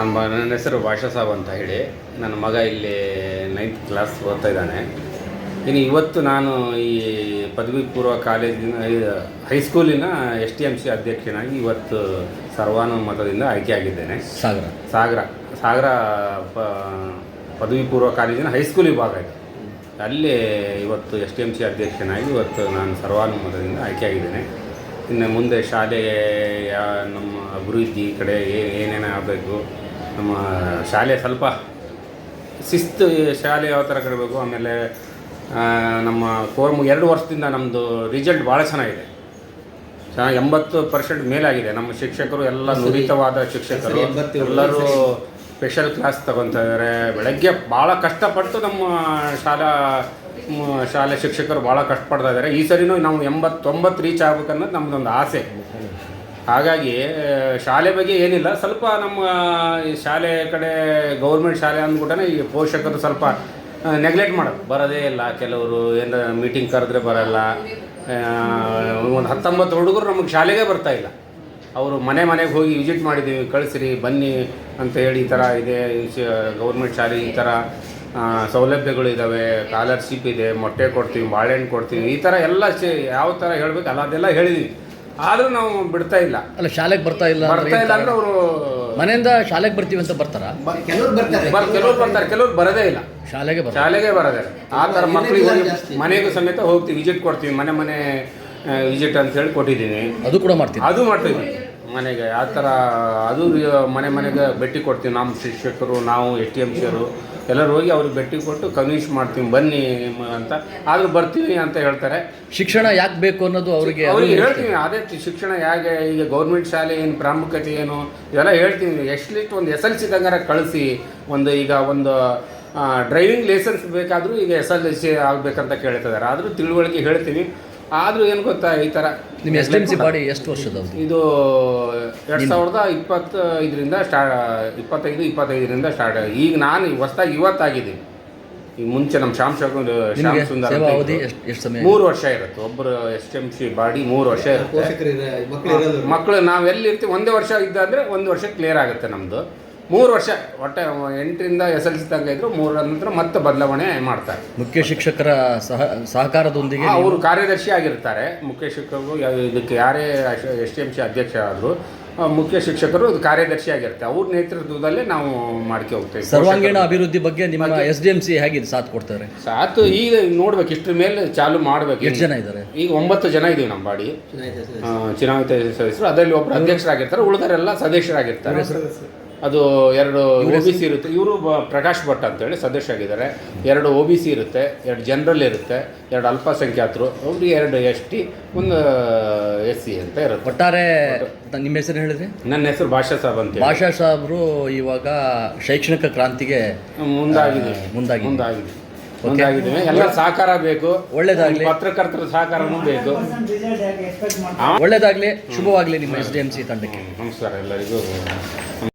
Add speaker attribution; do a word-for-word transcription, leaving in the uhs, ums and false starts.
Speaker 1: ನಾನು ಮ ನನ್ನ ಹೆಸರು ಭಾಷಾ ಸಾಬ್ ಅಂತ ಹೇಳಿ. ನನ್ನ ಮಗ ಇಲ್ಲಿ ನೈನ್ತ್ ಕ್ಲಾಸ್ ಓದ್ತಾ ಇದ್ದಾನೆ. ಇನ್ನು ಇವತ್ತು ನಾನು ಈ ಪದವಿ ಪೂರ್ವ ಕಾಲೇಜಿನ ಹೈಸ್ಕೂಲಿನ ಎಸ್ ಟಿ ಎಮ್ ಸಿ ಅಧ್ಯಕ್ಷನಾಗಿ ಇವತ್ತು ಸರ್ವಾನುಮತದಿಂದ ಆಯ್ಕೆಯಾಗಿದ್ದೇನೆ.
Speaker 2: ಸಾಗರ
Speaker 1: ಸಾಗರ ಸಾಗರ ಪ ಪದವಿ ಪೂರ್ವ ಕಾಲೇಜಿನ ಹೈಸ್ಕೂಲ್ ವಿಭಾಗ ಇದೆ. ಅಲ್ಲಿ ಇವತ್ತು ಎಸ್ ಟಿ ಎಮ್ ಸಿ ಅಧ್ಯಕ್ಷನಾಗಿ ಇವತ್ತು ನಾನು ಸರ್ವಾನುಮತದಿಂದ ಆಯ್ಕೆಯಾಗಿದ್ದೇನೆ. ಇನ್ನು ಮುಂದೆ ಶಾಲೆಯ ನಮ್ಮ ಅಭಿವೃದ್ಧಿ ಕಡೆ ಏನೇನು ಆಗಬೇಕು, ನಮ್ಮ ಶಾಲೆ ಸ್ವಲ್ಪ ಶಿಸ್ತು ಶಾಲೆ ಯಾವ ಥರ ಕಡಬೇಕು. ಆಮೇಲೆ ನಮ್ಮ ಕೋರ್ಮು ಎರಡು ವರ್ಷದಿಂದ ನಮ್ಮದು ರಿಸಲ್ಟ್ ಭಾಳ ಚೆನ್ನಾಗಿದೆ. ಚೆನ್ನಾಗಿ ಎಂಬತ್ತು ಪರ್ಸೆಂಟ್ ಮೇಲಾಗಿದೆ. ನಮ್ಮ ಶಿಕ್ಷಕರು ಎಲ್ಲ ನುರಿತವಾದ ಶಿಕ್ಷಕರು, ಎಲ್ಲರೂ ಸ್ಪೆಷಲ್ ಕ್ಲಾಸ್ ತಗೊತಾ ಇದ್ದಾರೆ. ಬೆಳಗ್ಗೆ ಭಾಳ ಕಷ್ಟಪಟ್ಟು ನಮ್ಮ ಶಾಲಾ ಶಾಲೆ ಶಿಕ್ಷಕರು ಭಾಳ ಕಷ್ಟಪಡ್ತಾ ಇದ್ದಾರೆ. ಈ ಸರಿನೂ ನಾವು ಎಂಬತ್ತೊಂಬತ್ತು ರೀಚ್ ಆಗ್ಬೇಕನ್ನೋದು ನಮ್ಮದೊಂದು ಆಸೆ. ಹಾಗಾಗಿ ಶಾಲೆ ಬಗ್ಗೆ ಏನಿಲ್ಲ, ಸ್ವಲ್ಪ ನಮ್ಮ ಈ ಶಾಲೆ ಕಡೆ ಗೌರ್ಮೆಂಟ್ ಶಾಲೆ ಅಂದ್ಬಿಟ್ಟೆ ಈ ಪೋಷಕರು ಸ್ವಲ್ಪ ನೆಗ್ಲೆಕ್ಟ್ ಮಾಡೋದು, ಬರೋದೇ ಇಲ್ಲ. ಕೆಲವರು ಏನು ಮೀಟಿಂಗ್ ಕರೆದ್ರೆ ಬರೋಲ್ಲ. ಒಂದು ಹತ್ತೊಂಬತ್ತು ಹುಡುಗರು ನಮಗೆ ಶಾಲೆಗೆ ಬರ್ತಾಯಿಲ್ಲ. ಅವರು ಮನೆ ಮನೆಗೆ ಹೋಗಿ ವಿಸಿಟ್ ಮಾಡಿದ್ದೀವಿ, ಕಳಿಸ್ರಿ ಬನ್ನಿ ಅಂತ ಹೇಳಿ, ಈ ಥರ ಇದೆ ಗೌರ್ಮೆಂಟ್ ಶಾಲೆ, ಈ ಥರ ಸೌಲಭ್ಯಗಳು ಇದ್ದಾವೆ, ಸ್ಕಾಲರ್ಶಿಪ್ ಇದೆ, ಮೊಟ್ಟೆ ಕೊಡ್ತೀವಿ, ಬಾಳೆಹಣ್ಣು ಕೊಡ್ತೀವಿ, ಈ ಥರ ಎಲ್ಲ ಯಾವ ಥರ ಹೇಳಬೇಕು ಅಲ್ಲ ಅದೆಲ್ಲ ಹೇಳಿದ್ವಿ. ಆದರೂ ನಾವು ಬಿಡ್ತಾ ಇಲ್ಲ.
Speaker 2: ಅಲ್ಲ ಶಾಲೆಗೆ ಬರ್ತಾ ಇಲ್ಲ
Speaker 1: ಬರ್ತಾ ಇಲ್ಲ ಅಂದರೆ ಅವರು
Speaker 2: ಮನೆಯಿಂದ ಶಾಲೆಗೆ ಬರ್ತೀವಿ ಅಂತ ಬರ್ತಾರ?
Speaker 3: ಕೆಲವರು ಬರ್ತಾರೆ,
Speaker 1: ಕೆಲವ್ರು ಬರ್ತಾರೆ, ಕೆಲವ್ರು ಬರೋದೇ ಇಲ್ಲ.
Speaker 2: ಶಾಲೆಗೆ ಬರ
Speaker 1: ಶಾಲೆಗೆ ಬರೋದೇ ಇಲ್ಲ. ಆ ಥರ ಮಕ್ಕಳಿಗೆ ಮನೆಗೂ ಸಮೇತ ಹೋಗ್ತೀವಿ, ವಿಸಿಟ್ ಕೊಡ್ತೀವಿ, ಮನೆ ಮನೆ ವಿಸಿಟ್ ಅಂತ ಹೇಳಿ ಕೊಟ್ಟಿದ್ದೀನಿ.
Speaker 2: ಅದು ಕೂಡ ಮಾಡ್ತೀವಿ,
Speaker 1: ಅದು ಮಾಡ್ತೀವಿ ಮನೆಗೆ. ಆ ಥರ ಅದು ಮನೆ ಮನೆಗೆ ಭೇಟಿ ಕೊಡ್ತೀವಿ. ನಮ್ಮ ಶಿಕ್ಷಕರು, ನಾವು ಎಸ್ ಟಿ ಎಮ್ ಸಿಯವರು ಎಲ್ಲರೂ ಹೋಗಿ ಅವ್ರಿಗೆ ಭೇಟಿ ಕೊಟ್ಟು ಕನ್ವಿನ್ಸ್ ಮಾಡ್ತೀವಿ ಬನ್ನಿ ಅಂತ. ಆದರೂ ಬರ್ತೀವಿ ಅಂತ ಹೇಳ್ತಾರೆ.
Speaker 2: ಶಿಕ್ಷಣ ಯಾಕೆ ಬೇಕು ಅನ್ನೋದು ಅವರಿಗೆ
Speaker 1: ಅವ್ರಿಗೆ ಹೇಳ್ತೀವಿ. ಅದೇ ಶಿಕ್ಷಣ ಹೇಗೆ, ಈಗ ಗೌರ್ಮೆಂಟ್ ಶಾಲೆ ಏನು ಪ್ರಾಮುಖ್ಯತೆ ಏನು ಇವೆಲ್ಲ ಹೇಳ್ತೀವಿ. ಎಟ್ಲೀಸ್ಟ್ ಒಂದು ಎಸ್ ಎಲ್ ಸಿ ತಂಗಾರ ಕಳಿಸಿ. ಒಂದು ಈಗ ಒಂದು ಡ್ರೈವಿಂಗ್ ಲೈಸೆನ್ಸ್ ಬೇಕಾದರೂ ಈಗ ಎಸ್ ಎಲ್ ಸಿ ಆಗಬೇಕಂತ ಕೇಳ್ತಿದ್ದಾರೆ. ಆದರೂ ತಿಳುವಳಿಕೆ ಹೇಳ್ತೀವಿ. ಆದರೂ ಏನು ಗೊತ್ತಾ, ಈ ಥರ
Speaker 2: ನಿಮ್ಮ S D M C body ಎಷ್ಟು ವರ್ಷದವ್ರು?
Speaker 1: ಇದು ಎರಡು ಸಾವಿರದ ಇಪ್ಪತ್ತೈದರಿಂದ ಸ್ಟಾ ಇಪ್ಪತ್ತೈದು ಇಪ್ಪತ್ತೈದರಿಂದ ಸ್ಟಾರ್ಟ್. ಈಗ ನಾನು ಹೊಸ್ದಾಗಿ ಇವತ್ತಾಗಿದ್ದೀನಿ. ಈಗ ಮುಂಚೆ ನಮ್ಮ ಶ್ಯಾಮ್ ಶಕುನ್ ಶ್ಯಾಮ್ ಸುಂದರ್ ಮೂರು ವರ್ಷ ಇರುತ್ತೆ. ಒಬ್ಬರು S T M C body ಮೂರು ವರ್ಷ ಇರುತ್ತೆ. ಮಕ್ಕಳು ನಾವು ಎಲ್ಲಿ ಇರ್ತೀವಿ ಒಂದೇ ವರ್ಷ ಇದ್ದಾದರೆ ಒಂದು ವರ್ಷ ಕ್ಲಿಯರ್ ಆಗುತ್ತೆ. ನಮ್ಮದು ಮೂರು ವರ್ಷ ಒಟ್ಟೆ ಎಂಟರಿಂದ ಎಸ್ ಎಲ್ ಸಿ ತನಕ ಇದ್ರು. ಮೂರರ ನಂತರ ಮತ್ತೆ ಬದಲಾವಣೆ ಮಾಡ್ತಾರೆ.
Speaker 2: ಮುಖ್ಯ ಶಿಕ್ಷಕರ ಸಹ ಸಹಕಾರದೊಂದಿಗೆ
Speaker 1: ಅವರು ಕಾರ್ಯದರ್ಶಿ ಆಗಿರ್ತಾರೆ. ಮುಖ್ಯ ಶಿಕ್ಷಕರು ಇದಕ್ಕೆ ಯಾರೇ ಎಸ್ ಟಿ ಎಮ್ ಸಿ ಅಧ್ಯಕ್ಷ ಆದರೂ ಮುಖ್ಯ ಶಿಕ್ಷಕರು ಇದು ಕಾರ್ಯದರ್ಶಿ ಆಗಿರುತ್ತೆ. ಅವ್ರ ನೇತೃತ್ವದಲ್ಲೇ ನಾವು ಮಾಡ್ಕೆ ಹೋಗ್ತೇವೆ.
Speaker 2: ಸರ್ವಾಂಗೀಣ ಅಭಿವೃದ್ಧಿ ಬಗ್ಗೆ ನಿಮ್ಮ ಎಸ್ ಡಿ ಎಮ್ ಸಿ ಹೇಗಿದೆ, ಸಾಥ್ ಕೊಡ್ತಾರೆ?
Speaker 1: ಸಾಥ್ ಈಗ ನೋಡ್ಬೇಕು, ಇಷ್ಟ್ರ ಮೇಲೆ ಚಾಲು ಮಾಡ್ಬೇಕು.
Speaker 2: ಎಷ್ಟು ಜನ ಇದ್ದಾರೆ? ಈಗ
Speaker 1: ಒಂಬತ್ತು ಜನ ಇದೀವಿ ನಮ್ಮ ಬಾಡಿ ಚುನಾಯಿತ ಸದಸ್ಯರು. ಅದರಲ್ಲಿ ಒಬ್ಬರು ಅಧ್ಯಕ್ಷರಾಗಿರ್ತಾರೆ, ಉಳಿದರೆಲ್ಲ ಸದಸ್ಯರಾಗಿರ್ತಾರೆ. ಅದು ಎರಡು ಒ ಬಿ ಸಿ ಇರುತ್ತೆ. ಇವರು ಪ್ರಕಾಶ್ ಭಟ್ ಅಂತೇಳಿ ಸದಸ್ಯ ಆಗಿದ್ದಾರೆ. ಎರಡು ಒ ಬಿ ಸಿ ಇರುತ್ತೆ, ಎರಡು ಜನರಲ್ ಇರುತ್ತೆ, ಎರಡು ಅಲ್ಪಸಂಖ್ಯಾತರು, ಅವ್ರಿಗೆ ಎರಡು ಎಸ್ ಟಿ, ಒಂದು ಎಸ್ ಸಿ ಅಂತ ಇರುತ್ತೆ.
Speaker 2: ಒಟ್ಟಾರೆ ನಿಮ್ಮ ಹೆಸರು ಹೇಳಿದ್ರಿ?
Speaker 1: ನನ್ನ ಹೆಸರು ಭಾಷಾ ಸಾಬ್ ಅಂತ.
Speaker 2: ಭಾಷಾ ಸಾಬ್ರು ಇವಾಗ ಶೈಕ್ಷಣಿಕ ಕ್ರಾಂತಿಗೆ
Speaker 1: ಮುಂದಾಗಿದೆ
Speaker 2: ಮುಂದಾಗಿ
Speaker 1: ಮುಂದಾಗಿದೆ ಮುಂದಾಗಿದ್ದೀವಿ. ಎಲ್ಲ ಸಹಕಾರ ಬೇಕು,
Speaker 2: ಒಳ್ಳೇದಾಗಲಿ.
Speaker 1: ಪತ್ರಕರ್ತರ ಸಹಕಾರನೂ ಬೇಕು.
Speaker 2: ಒಳ್ಳೇದಾಗಲಿ, ಶುಭವಾಗಲಿ ನಿಮ್ಮ ಎಸ್ ಡಿ ಎಮ್ ಸಿ ತಂಡಕ್ಕೆ.
Speaker 1: ನಮಸ್ಕಾರ ಎಲ್ಲರಿಗೂ.